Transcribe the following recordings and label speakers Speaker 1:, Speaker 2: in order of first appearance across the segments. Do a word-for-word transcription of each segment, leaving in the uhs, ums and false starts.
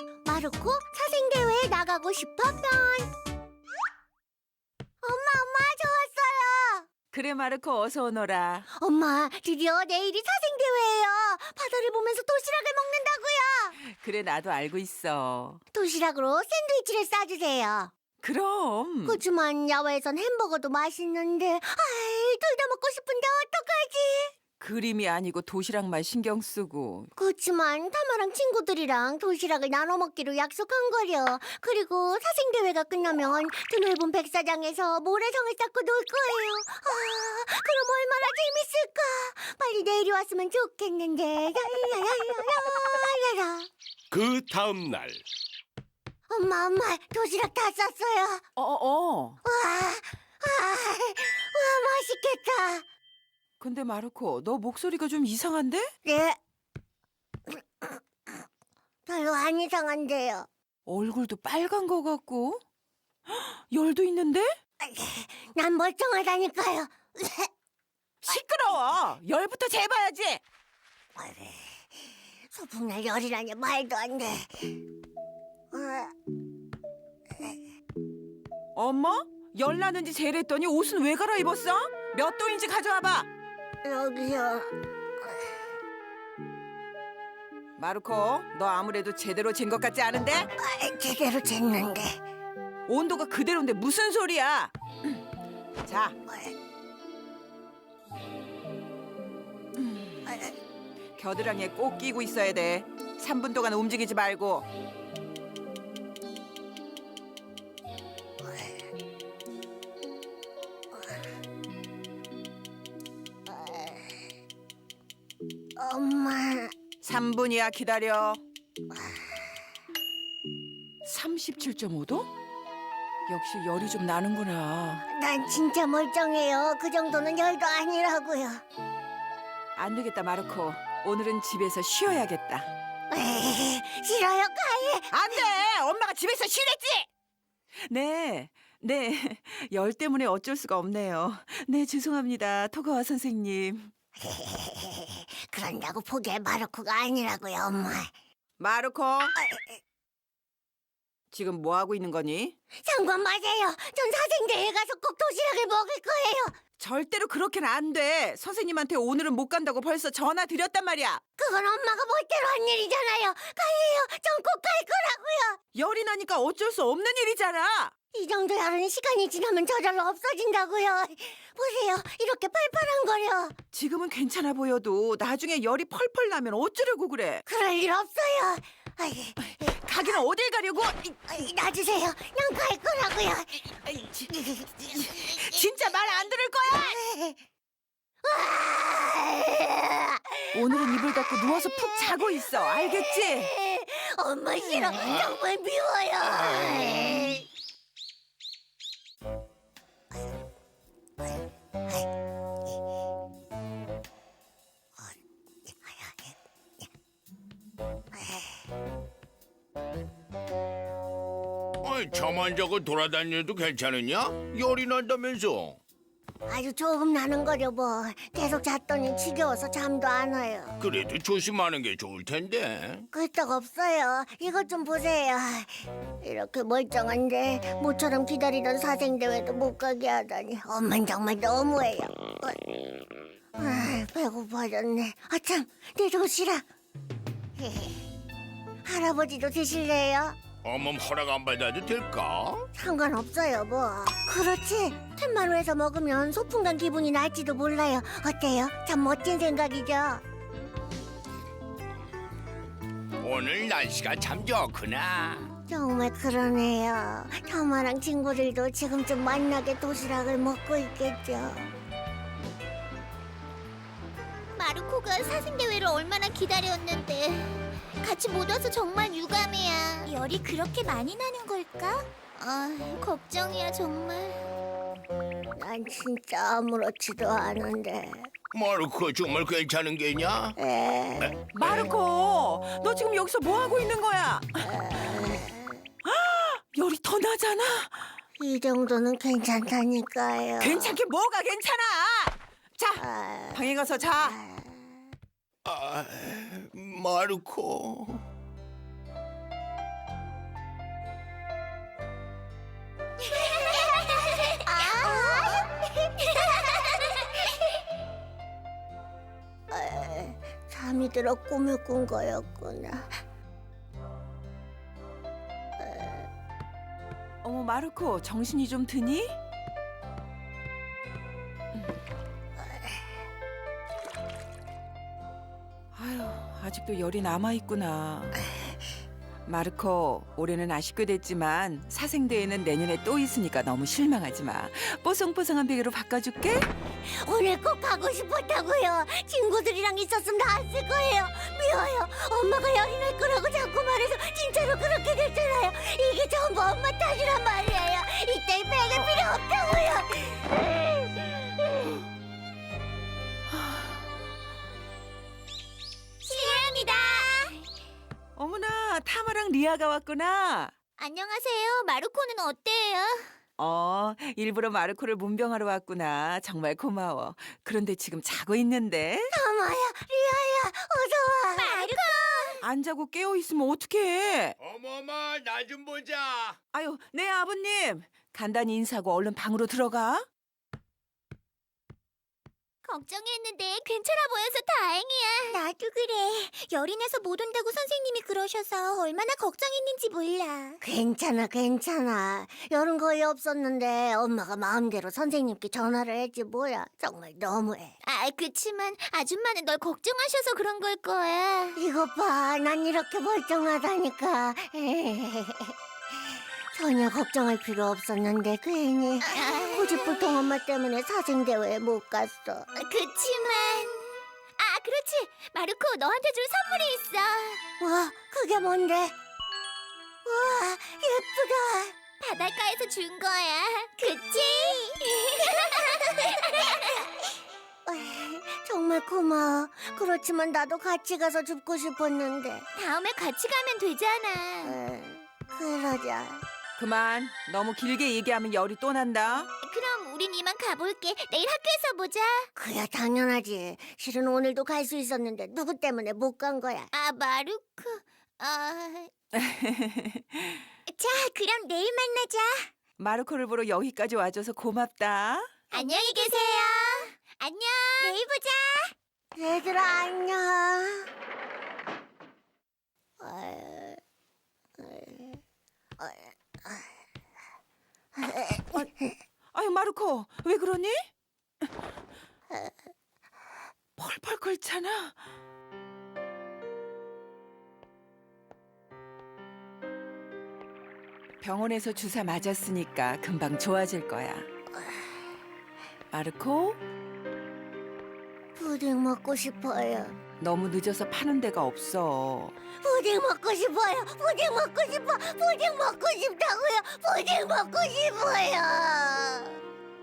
Speaker 1: 마르코 사생대회에 나가고 싶어 편. 엄마, 엄마, 저 왔어요.
Speaker 2: 그래 마르코 어서 오너라.
Speaker 1: 엄마, 드디어 내일이 사생대회예요. 바다를 보면서 도시락을 먹는다고요.
Speaker 2: 그래 나도 알고 있어.
Speaker 1: 도시락으로 샌드위치를 싸주세요.
Speaker 2: 그럼
Speaker 1: 그치만 야외에선 햄버거도 맛있는데, 아이, 둘 다 먹고 싶은데 어떡하지?
Speaker 2: 그림이 아니고 도시락만 신경 쓰고.
Speaker 1: 그치만 타마랑 친구들이랑 도시락을 나눠 먹기로 약속한 거려. 그리고 사생대회가 끝나면 드넓은 백사장에서 모래성을 쌓고 놀 거예요. 아, 그럼 얼마나 재밌을까? 빨리 내일이 왔으면 좋겠는데. 야야야야야야야.
Speaker 3: 그 다음 날
Speaker 1: 엄마, 엄마, 도시락 다 쌌어요.
Speaker 2: 어어.
Speaker 1: 와, 아, 와, 맛있겠다.
Speaker 2: 근데 마르코 너 목소리가 좀 이상한데?
Speaker 1: 네. 별로 안 이상한데요.
Speaker 2: 얼굴도 빨간 거 같고. 헉, 열도 있는데?
Speaker 1: 난 멀쩡하다니까요.
Speaker 2: 시끄러워. 열부터 재봐야지.
Speaker 1: 소풍날 열이라니 말도 안 돼.
Speaker 2: 엄마? 열 나는지 재랬더니 옷은 왜 갈아입었어? 몇 도인지 가져와봐.
Speaker 1: 여기요.
Speaker 2: 마르코 너 아무래도 제대로 잰 것 같지 않은데?
Speaker 1: 아, 제대로 쟀는데.
Speaker 2: 온도가 그대로인데 무슨 소리야? 자, 겨드랑이에 꼭 끼고 있어야 돼. 삼 분 동안 움직이지 말고.
Speaker 1: 엄마.
Speaker 2: 삼 분이야 기다려. 삼십칠 점 오 도? 역시 열이 좀 나는구나.
Speaker 1: 난 진짜 멀쩡해요. 그 정도는 열도 아니라고요.
Speaker 2: 안 되겠다 마르코. 오늘은 집에서 쉬어야겠다.
Speaker 1: 에이, 싫어요, 가해.
Speaker 2: 안 돼! 엄마가 집에서 쉬랬지! 네, 네. 열 때문에 어쩔 수가 없네요. 네, 죄송합니다. 토가와 선생님.
Speaker 1: 그런다고 포기할 마르코가 아니라고요, 엄마.
Speaker 2: 마르코! 지금 뭐 하고 있는 거니?
Speaker 1: 상관 마세요. 전 사생대회 가서 꼭 도시락을 먹을 거예요.
Speaker 2: 절대로 그렇게는 안 돼. 선생님한테 오늘은 못 간다고 벌써 전화 드렸단 말이야.
Speaker 1: 그건 엄마가 멋대로 한 일이잖아요. 가해요. 전 꼭 갈 거라고요.
Speaker 2: 열이 나니까 어쩔 수 없는 일이잖아.
Speaker 1: 이 정도 열은 시간이 지나면 저절로 없어진다고요. 보세요. 이렇게 팔팔한거려.
Speaker 2: 지금은 괜찮아 보여도 나중에 열이 펄펄 나면 어쩌려고 그래.
Speaker 1: 그럴 일 없어요. 아이,
Speaker 2: 가기는 어딜 가려고?
Speaker 1: 아이, 놔주세요. 난 갈 거라고요.
Speaker 2: 아이, 지- 진짜 말 안 들을 거야? 오늘은 이불 덮고 누워서 푹 자고 있어. 알겠지?
Speaker 1: 엄마 싫어. 정말 미워요.
Speaker 3: 아이, 잠안 자고 돌아다녀도 괜찮으냐? 열이 난다면서.
Speaker 1: 아주 조금 나는 거려 뭐. 계속 잤더니 지겨워서 잠도 안 와요.
Speaker 3: 그래도 조심하는 게 좋을 텐데.
Speaker 1: 끄떡 없어요. 이것 좀 보세요. 이렇게 멀쩡한데 모처럼 기다리던 사생대회도 못 가게 하다니 엄만 정말 너무해요. 아, 배고파졌네. 아참, 내 도시락. 할아버지도 드실래요?
Speaker 3: 어멈 허락 안 받아도 될까?
Speaker 1: 상관없어요 뭐. 그렇지. 텐마루에서 먹으면 소풍 간 기분이 날지도 몰라요. 어때요? 참 멋진 생각이죠.
Speaker 3: 오늘 날씨가 참 좋구나.
Speaker 1: 정말 그러네요. 타마랑 친구들도 지금쯤 만나게 도시락을 먹고 있겠죠.
Speaker 4: 마르코가 사생대회를 얼마나 기다렸는데 같이 못 와서 정말 유감이야. 열이 그렇게 많이 나는 걸까? 아, 걱정이야 정말.
Speaker 1: 난 진짜 아무렇지도 않은데.
Speaker 3: 마르코 정말 괜찮은 게냐?
Speaker 1: 에,
Speaker 2: 마르코, 너 지금 여기서 뭐 하고 있는 거야? 열이 더 나잖아.
Speaker 1: 이 정도는 괜찮다니까요.
Speaker 2: 괜찮게 뭐가 괜찮아? 자,
Speaker 1: 아,
Speaker 2: 방에 가서 자.
Speaker 3: 아, 마르코.
Speaker 1: 잠이 들어 꿈을 꾼 거였구나.
Speaker 2: 어머, 마르코, 정신이 좀 드니? 아유, 아직도 열이 남아있구나. 마르코, 올해는 아쉽게 됐지만 사생대회는 내년에 또 있으니까 너무 실망하지 마. 뽀송뽀송한 베개로 바꿔줄게.
Speaker 1: 오늘 꼭 가고 싶었다고요. 친구들이랑 있었으면 나았을 거예요. 미워요. 엄마가 열이 날 거라고 자꾸 말해서 진짜로 그렇게 됐잖아요. 이게 전부 엄마 탓이란 말이에요. 이따위 베개 필요 없다고요.
Speaker 4: 실례합니다.
Speaker 2: 어머나, 타마랑 리아가 왔구나.
Speaker 4: 안녕하세요. 마루코는 어때요?
Speaker 2: 어, 일부러 마르코를 문병하러 왔구나. 정말 고마워. 그런데 지금 자고 있는데?
Speaker 1: 타마야, 리아야, 어서 와.
Speaker 4: 마루코!
Speaker 2: 안 자고 깨어 있으면 어떡해?
Speaker 3: 어머머, 나 좀 보자.
Speaker 2: 아유, 네 아버님. 간단히 인사하고 얼른 방으로 들어가.
Speaker 4: 걱정했는데 괜찮아 보여서 다행이야. 나도 그래. 열이 나서 못 온다고 선생님이 그러셔서 얼마나 걱정했는지 몰라.
Speaker 1: 괜찮아, 괜찮아. 열은 거의 없었는데 엄마가 마음대로 선생님께 전화를 했지 뭐야. 정말 너무해.
Speaker 4: 아, 그치만 아줌마는 널 걱정하셔서 그런 걸 거야.
Speaker 1: 이것 봐, 난 이렇게 멀쩡하다니까. 전혀 걱정할 필요 없었는데 괜히 고집불통 엄마 때문에 사생대회에 못 갔어.
Speaker 4: 그치만 아, 그렇지. 마루코, 너한테 줄 선물이 있어.
Speaker 1: 와, 그게 뭔데? 와, 예쁘다.
Speaker 4: 바닷가에서 준 거야. 그치?
Speaker 1: 정말 고마워. 그렇지만 나도 같이 가서 줍고 싶었는데.
Speaker 4: 다음에 같이 가면 되잖아.
Speaker 1: 에, 그러자.
Speaker 2: 그만. 너무 길게 얘기하면 열이 또 난다.
Speaker 4: 그럼 우린 이만 가볼게. 내일 학교에서 보자.
Speaker 1: 그야 당연하지. 실은 오늘도 갈 수 있었는데 누구 때문에 못 간 거야.
Speaker 4: 아, 마루코. 아... 자, 그럼 내일 만나자.
Speaker 2: 마르코를 보러 여기까지 와줘서 고맙다.
Speaker 4: 안녕히 계세요. 안녕. 내일 보자.
Speaker 1: 얘들아 안녕. 어, 어,
Speaker 2: 아유, 마르코, 왜 그러니? 펄펄 끓잖아. 병원에서 주사 맞았으니까 금방 좋아질 거야. 마르코,
Speaker 1: 푸딩 먹고 싶어요.
Speaker 2: 너무 늦어서 파는 데가 없어.
Speaker 1: 푸딩 먹고 싶어요. 푸딩 먹고 싶어. 푸딩 먹고 싶다고요. 푸딩 먹고 싶어요.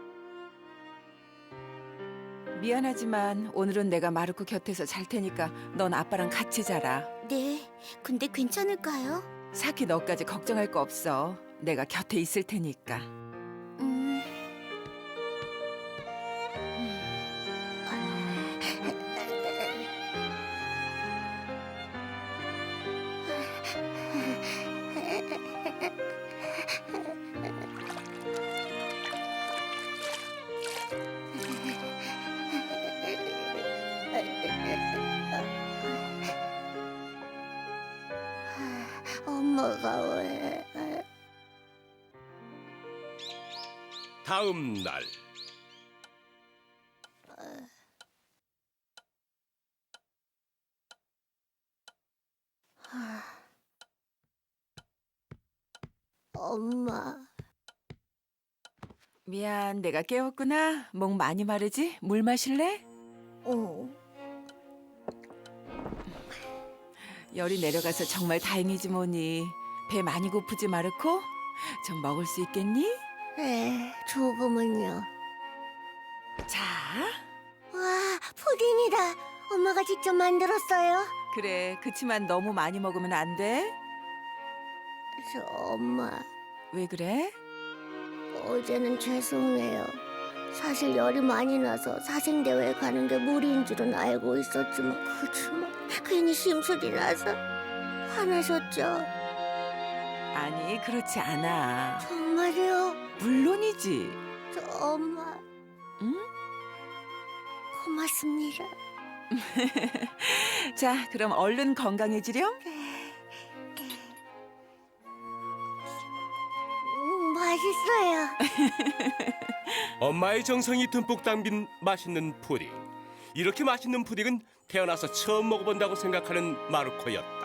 Speaker 2: 미안하지만 오늘은 내가 마르코 곁에서 잘 테니까 넌 아빠랑 같이 자라.
Speaker 4: 네, 근데 괜찮을까요?
Speaker 2: 사키 너까지 걱정할 거 없어. 내가 곁에 있을 테니까.
Speaker 4: 음...
Speaker 1: 엄마가 왜?
Speaker 3: 다음 날.
Speaker 1: 엄마.
Speaker 2: 미안, 내가 깨웠구나. 목 많이 마르지? 물 마실래?
Speaker 1: 어.
Speaker 2: 열이 내려가서 정말 다행이지 뭐니. 배 많이 고프지, 마르코? 좀 먹을 수 있겠니?
Speaker 1: 네, 조금은요.
Speaker 2: 자,
Speaker 1: 와, 푸딩이다. 엄마가 직접 만들었어요.
Speaker 2: 그래. 그치만 너무 많이 먹으면 안 돼.
Speaker 1: 저 엄마,
Speaker 2: 왜 그래?
Speaker 1: 어제는 죄송해요. 사실 열이 많이 나서 사생대회에 가는 게 무리인 줄은 알고 있었지만 그치만 괜히 심술이 나서 화나셨죠?
Speaker 2: 아니, 그렇지 않아.
Speaker 1: 정말요?
Speaker 2: 물론이지.
Speaker 1: 저 엄마
Speaker 2: 응?
Speaker 1: 고맙습니다.
Speaker 2: 자, 그럼 얼른 건강해지렴.
Speaker 1: 음, 맛있어요.
Speaker 5: 엄마의 정성이 듬뿍 담긴 맛있는 푸딩. 이렇게 맛있는 푸딩은 태어나서 처음 먹어본다고 생각하는 마르코였다.